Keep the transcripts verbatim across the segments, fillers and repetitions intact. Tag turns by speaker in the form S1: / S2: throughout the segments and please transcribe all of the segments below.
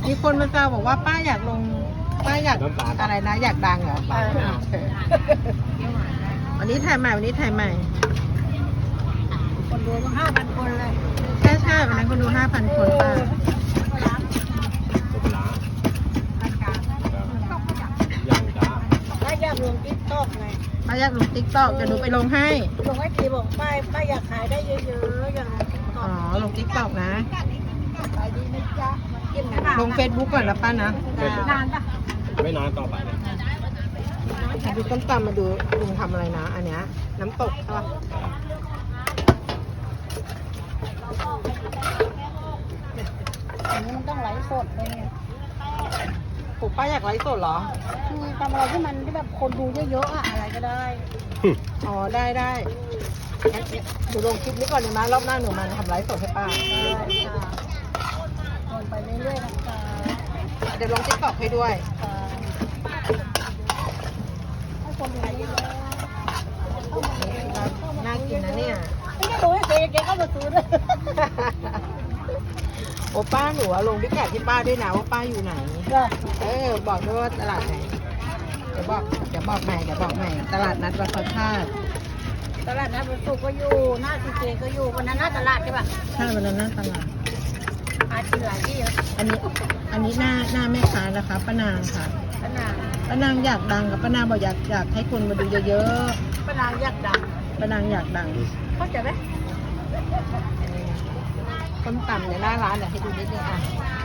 S1: มีคนมาแซวบอกว่าป้าอยากลงป้าอยากอะไรนะอยากดังเหรอป้าวันนี้ถ่ายใหม่วันนี้ถ่ายใหม่
S2: คนดูห้าพันคนเลย
S1: ใช่ใช่วันนั้นคนดูห้าพันคนป้า
S2: ป้าอยากลงติ๊กต็อกไง
S1: ป้าอยากลงติ๊กต็อกจะดูไปลงให้
S2: ลงให้ทีบอกป้าป้าอยากขายได้เยอะๆอย่าง
S1: อ๋อลงติ๊กต็อกนะ
S2: ขายดีนะจ๊ะ
S1: ลงเฟซบุ๊กก่อนนะป้านะ
S2: นานปะ
S3: ไม่นานต่อไป
S1: มาดูต้มตำมาดูลุงทำอะไรนะอันเนี้ยน้ำตกใช่ปะ
S2: อันนี้มันต้องไลฟ์สดเลย
S1: ปู่ป้าอยากไลฟ์สดเหรอ
S2: คือทำอะไรที่มันที่แบบคนดูเยอะๆอะอะไรก็ได้
S1: อ๋อได้ได้หนูลงคลิปนี้ก่อนเลยนะรอบหน้าหนูมาทำไลฟ์สดให้ป้า
S2: ลงไปเรื่อยๆนะคะ
S1: เดี๋ยวลงติ๊กต็อกให้ด้วย
S2: ให้คนดูเยอะ
S1: น่ากินนะเนี่ย
S2: ไม่ได้ดูให้เจ๊เจ๊ก็มาซื้อด้วย
S1: โอ้ป้าหนูลงพิกัดที่ป้าด้วยนะว่าป้าอยู่ไหนเออบอกด้วยว่าตลาดไหนเดี๋ยวบอกเดี๋ยวบอกใหม่เดี๋ยวบอกใหม่ตลาดนัดวัดพระธาตุ
S2: ตลาดนัดวันศุกร์ก็อยู่หน้าซีเจก็อยู่วันนั้นหน้าตลาดใช่ป่ะ
S1: ใช่วันนั้นหน้าตลาด
S2: อาชีพหลายที่เยอะ
S1: อันนี้อันนี้หน้าหน้าแม่ค้านะคะป้านางค่ะ
S2: ป้านาง
S1: ป้านางอยากดังกับป้านางบอกอยากอยากให้คนมาดูเยอะ
S2: ๆป้านางอยากดัง
S1: ป้านางอยากดัง
S2: เข้าใจไหม
S1: ต้มตำในหน้าร้านเดี๋ยวให้ดูนิดนึงอ่ะ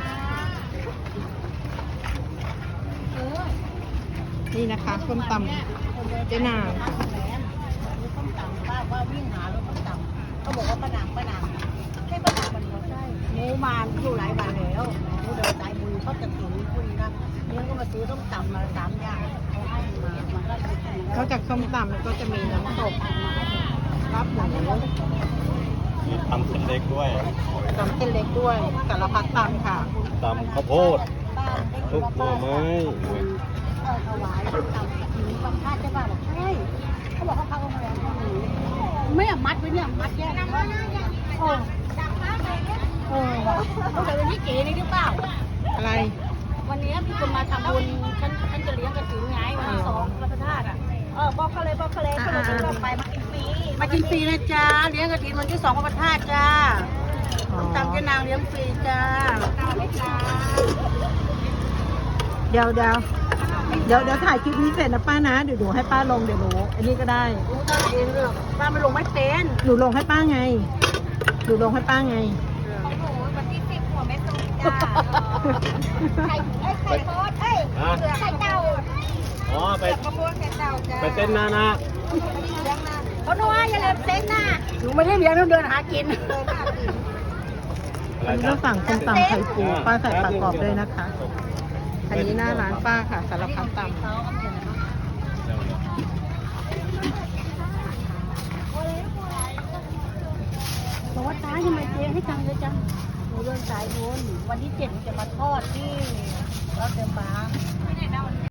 S1: นี่นะคะต้มตำเจ๊นาง
S2: ต้มตำป้าว่าวิ่งหารถต้มตำเขาบอกว่าป้านางป้านางใช่ป้านางมันเขาใช่หมูมานอยู่หลายวันแล้วหมูเดินสายบุญเขาจะถึงคุยนะเนี่ยก็มาซื้อต้มตำมาสามอย่างเขาให้มามันก็
S1: เขาจากต้มตำมันก็จะมีน้ำตกรับหมู
S3: มีตำเส้นเล็กด้วย
S1: ตำเส้นเล็กด้วยสารพัดตำค่ะ
S3: ตำข้าวโพดทุกหน่อไม้
S2: เออถวายตำถึงบางท่าใช่ป่ะบอกใช่เขาบอกเขาพักโรงแรมเขาหนูไม่อะมัดไว้เนี่ยมัดแยกเออเออเขาแต่วันนี้เก๋นี่หรือเปล่า
S1: อะไร
S2: วันนี้มีคนมาทำบุญฉันฉันจะเลี้ยงกระถิ่นไงวันที่สองพระธาตุอ่ะเออบอกเขาเลยบอกเขาเลยเขาบอกว่าไปมากินฟรีมากินฟรีนะจ๊ะเลี้ยงกระถิ่นวันที่สองพระธาตุจ้าตามเจ้านางเลี้ยงฟรีจ้า
S1: เดี๋ยวเดี๋ยวเดี๋ยวเดี๋ยวถ่ายคลิปนี้เสร็จนะป้านะเดี๋ยวหนูให้ป้าลงเดี๋ยวหนูอันนี้ก็ได้
S2: รู้ได้เองเรื่องป้าไม่ลงไม่เป็น
S1: หนูลงให้ป้าไงหนูลงให้ป้าไง
S2: วันที่สิบหัวแม่ตุ้มจ้าไข่ไข่โคตรเอ้ยเสือไข่เต่า
S3: อ๋อไป
S2: กระพวงไข่เต่าจ้า
S3: ไปเต้นหน้านะ
S2: เขาโน้ยอย่าลืมเต้นนะหนูไม่ได้เลี้ยงต้องเดินหากิน
S1: อันนี้ก็สั่งต้มตำไข่ปูป้าใส่ปลากรอบด้วยนะคะอันนี้หน้าร้านป้าค่ะสารพัดตำ
S2: บอกว่าตาทำไมเจ๊ให้ตังค์เยอะจังหนูเดินสายบุญวันที่เจ็ดจะมาทอดที่รถเดิมบ้า